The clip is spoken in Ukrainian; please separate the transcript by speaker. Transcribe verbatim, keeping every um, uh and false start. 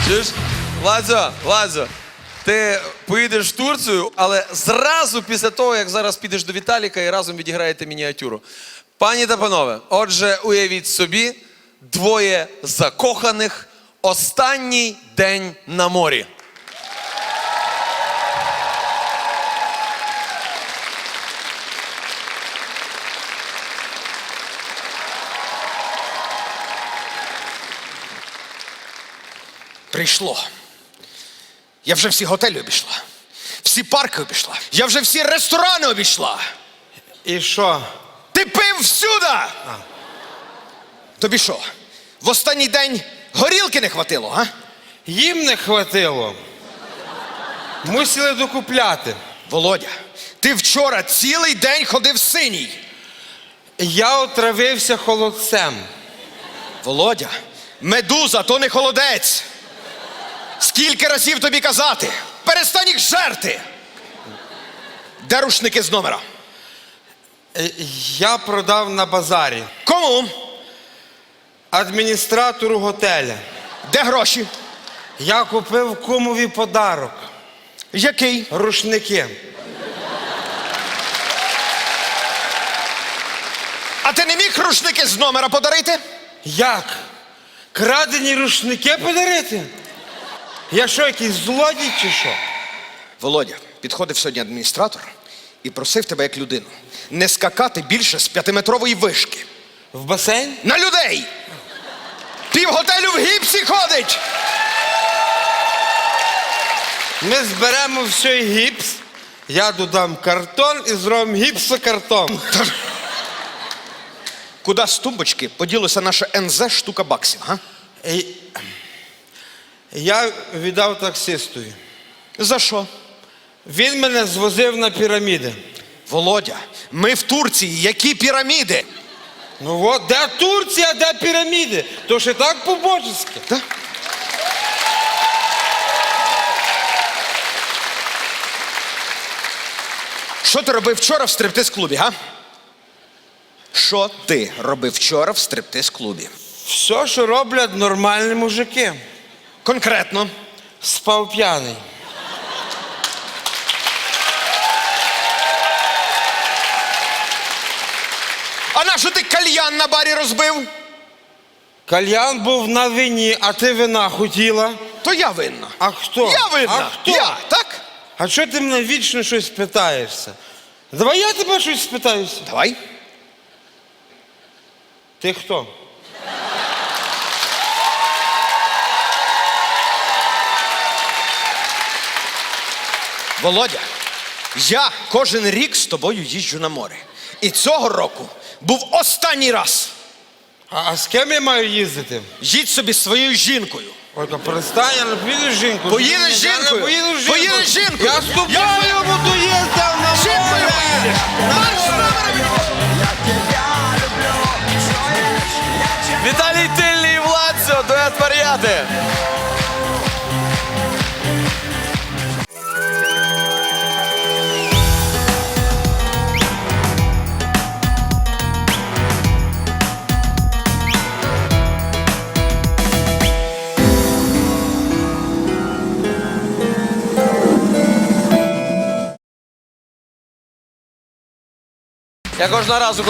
Speaker 1: Чуєш? Владзо, Владзо, ти поїдеш в Турцію, але зразу після того, як зараз підеш до Віталіка і разом відіграєте мініатюру. Пані та панове, отже, уявіть собі, двоє закоханих, останній день на морі.
Speaker 2: Прийшло. Я вже всі готелі обійшла. Всі парки обійшла. Я вже всі ресторани обійшла.
Speaker 3: І що?
Speaker 2: Ти пив всюди! А. Тобі що, в останній день горілки не хватило, а?
Speaker 3: Їм не хватило. Мусили докупляти.
Speaker 2: Володя, ти вчора цілий день ходив синій.
Speaker 3: Я отравився холодцем.
Speaker 2: Володя, медуза, то не холодець. Скільки разів тобі казати? Перестань їх жерти! Де рушники з номера?
Speaker 3: Е, Я продав на базарі.
Speaker 2: Кому?
Speaker 3: Адміністратору готеля.
Speaker 2: Де гроші?
Speaker 3: Я купив кумові подарок.
Speaker 2: Який?
Speaker 3: Рушники.
Speaker 2: А ти не міг рушники з номера подарити?
Speaker 3: Як? Крадені рушники подарити? Я що, якийсь злодій чи що?
Speaker 2: Володя, підходив сьогодні адміністратор і просив тебе як людину не скакати більше з п'ятиметрової вишки.
Speaker 3: В басейн?
Speaker 2: На людей! Пів готелю в гіпсі ходить!
Speaker 3: Ми зберемо все гіпс, я додам картон і зробимо гіпсокартон.
Speaker 2: Куди з тумбочки поділося наше ен зет штука баксів, га?
Speaker 3: І... Я віддав таксистові.
Speaker 2: За що?
Speaker 3: Він мене звозив на піраміди.
Speaker 2: Володя, ми в Турції, які піраміди?
Speaker 3: Ну от, де Турція, де піраміди? То ж і так по-божески.
Speaker 2: Так? Що ти робив вчора в стриптиз-клубі, га? Що ти робив вчора в стриптиз-клубі?
Speaker 3: Все, що роблять нормальні мужики.
Speaker 2: Конкретно.
Speaker 3: Спав п'яний.
Speaker 2: А нащо ти кальян на барі розбив?
Speaker 3: Кальян був на вині, а ти вина хотіла.
Speaker 2: То я винна.
Speaker 3: А хто?
Speaker 2: Я винна.
Speaker 3: А хто?
Speaker 2: Я, так?
Speaker 3: А чого ти мене вічно щось питаєшся? Давай я тебе щось спитаюся.
Speaker 2: Давай.
Speaker 3: Ти хто?
Speaker 2: Володя, я кожен рік з тобою їжджу на море. І цього року був останній раз.
Speaker 3: А, а з ким я маю їздити?
Speaker 2: Їдь собі зі своєю жінкою.
Speaker 3: Ой, то перестань, я не поїду з жінкою.
Speaker 2: Поїдеш з
Speaker 3: Я не
Speaker 2: жінкою?
Speaker 3: поїду з жінкою.
Speaker 2: Поїдеш з жінкою?
Speaker 3: Я з тобою
Speaker 2: Я-
Speaker 3: буду їздити на
Speaker 2: З жінкою
Speaker 3: море.
Speaker 2: поїдеш. Марш з номером!
Speaker 1: Віталій Тильний і Владзо, дует варіати. Я кожного разу,